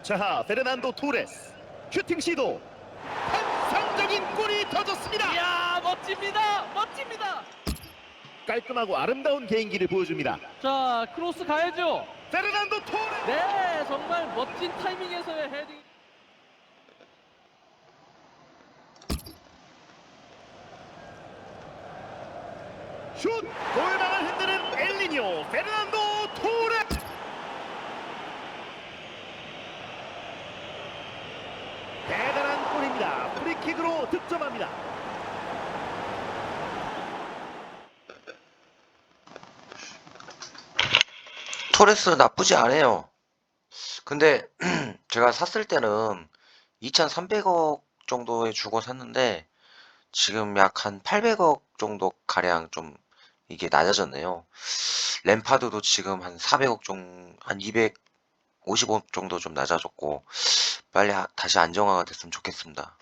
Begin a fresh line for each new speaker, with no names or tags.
자, 페르난도 토레스 슈팅 시도. 환상적인 골이 터졌습니다.
이야, 멋집니다. 멋집니다.
깔끔하고 아름다운 개인기를 보여줍니다.
자, 크로스 가야죠.
페르난도 토레스.
네, 정말 멋진 타이밍에서의 헤딩.
슛! 골망을 흔드는 엘리뇨 페르난도 토레스. 대단한 골입니다. 프리킥으로 득점합니다.
토레스 나쁘지 않아요. 근데 제가 샀을 때는 2,300억 정도에 주고 샀는데 지금 약 한 800억 정도 가량 좀 이게 낮아졌네요. 램파드도 지금 한 400억 정도, 한 250억 정도 좀 낮아졌고 빨리 다시 안정화가 됐으면 좋겠습니다.